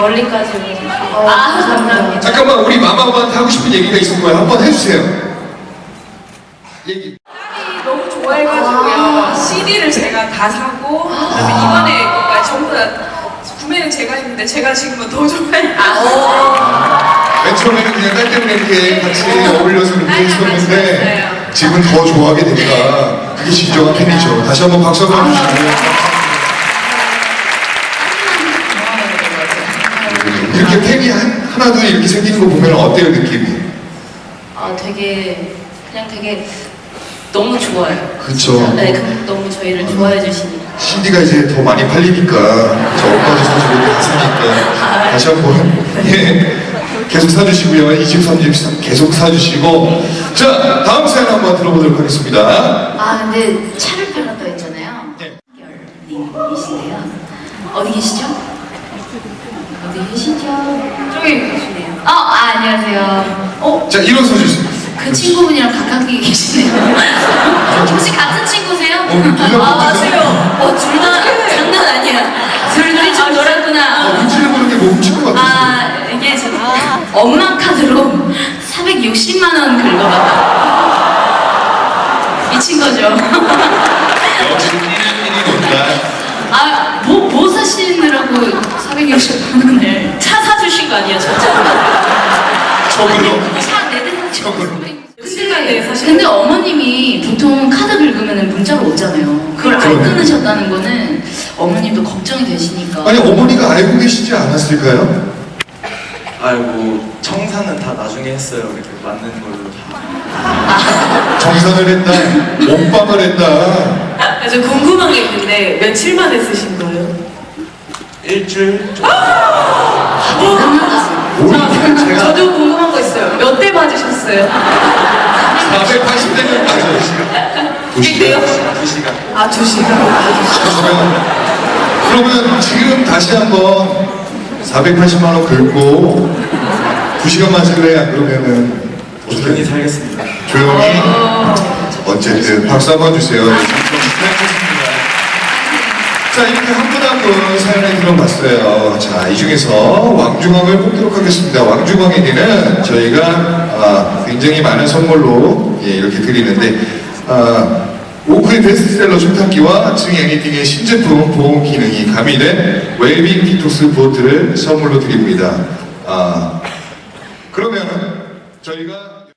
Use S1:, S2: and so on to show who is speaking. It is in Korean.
S1: 멀리까지 오셔서 감사합니다.
S2: 잠깐만, 우리 마마한테 하고 싶은 얘기가 있을 거예요. 한번 해주세요. 얘기.
S3: 너무 좋아해가지고요. CD를 제가 다 사고, 그다음에 이번에 것까지 전부 다 구매는 제가 했는데 제가 지금은 더 좋아해요.
S2: 맨 처음에는 그냥 딸 때문에 이렇게 같이 어울려서 그렇게 했었는데 지금 더 좋아하게 되니까 그게 진정한 팬이죠. 다시 한번 박수 한번 주시고요. 이렇게 팬이 하나도 이렇게 생기는 거 보면 어때요, 느낌이?
S1: 되게 너무 좋아요.
S2: 그쵸.
S1: 네, 너무 저희를 좋아해 주시니까.
S2: CD가 이제 더 많이 팔리니까 저 오빠도 사주고 사니까 다시 한번 계속 사주시고요. 2집, 3집 계속 사주시고. 자, 다음 사연 한번 들어보도록 하겠습니다.
S1: 근데 차를 팔았다 했잖아요.
S2: 네.
S1: 님이시네요. 어디 계시죠? 어디 계시죠? 저기 계시네요. 안녕하세요.
S2: 자, 일어서 주세요.
S1: 그 친구분이랑 가깝게 계시네요. 혹시 같은 친구세요?
S2: 맞아요.
S1: 둘 다 장난 아니야. 둘이 좀 놀았구나.
S2: 눈치를 보는 게 뭐 훔친 것 같아요.
S1: 이게 엄마 카드로 460만 원 긁어봤다. 미친 거죠.
S2: 지금 1인 온다.
S1: 뭐 사시느라고 460만 원을 차 사주신 거 아니에요, 진짜?
S2: 저걸로?
S1: 차 4대
S2: 저걸로?
S1: 근데 어머님이 보통 카드 긁으면 문자로 오잖아요. 그걸 안
S2: 그러네.
S1: 끊으셨다는 거는 어머님도 걱정이 되시니까.
S2: 아니, 어머니가 알고 계시지 않았을까요?
S4: 아이고, 청산은 다 나중에 했어요. 이렇게 맞는 걸로 다.
S2: 정산을 했다, 몸빵을 했다.
S3: 저 궁금한 게 있는데 며칠 만에 쓰신 거예요?
S4: 일주일?
S2: 제가
S3: 저도 궁금한 거 있어요. 몇 대 맞으셨어요?
S2: 480대는 맞아요.
S3: 200대요?
S4: 2시간.
S3: 2시간.
S2: 그러면 지금 다시 한번 480만 원 긁고 2시간만 쓸래? 안 그러면은
S4: 조용히 살겠습니다.
S2: 조용히. 어쨌든 박수 한번 주세요. 자, 이렇게 한 분 한 분 사연을 들어봤어요. 자, 이 중에서 왕중왕을 뽑도록 하겠습니다. 왕중왕에게는 저희가 굉장히 많은 선물로 이렇게 드리는데 오크의 베스트셀러 초탄기와 층 애니팅의 신제품 보온 기능이 가미된 웰빙 디톡스 보트를 선물로 드립니다. 그러면 저희가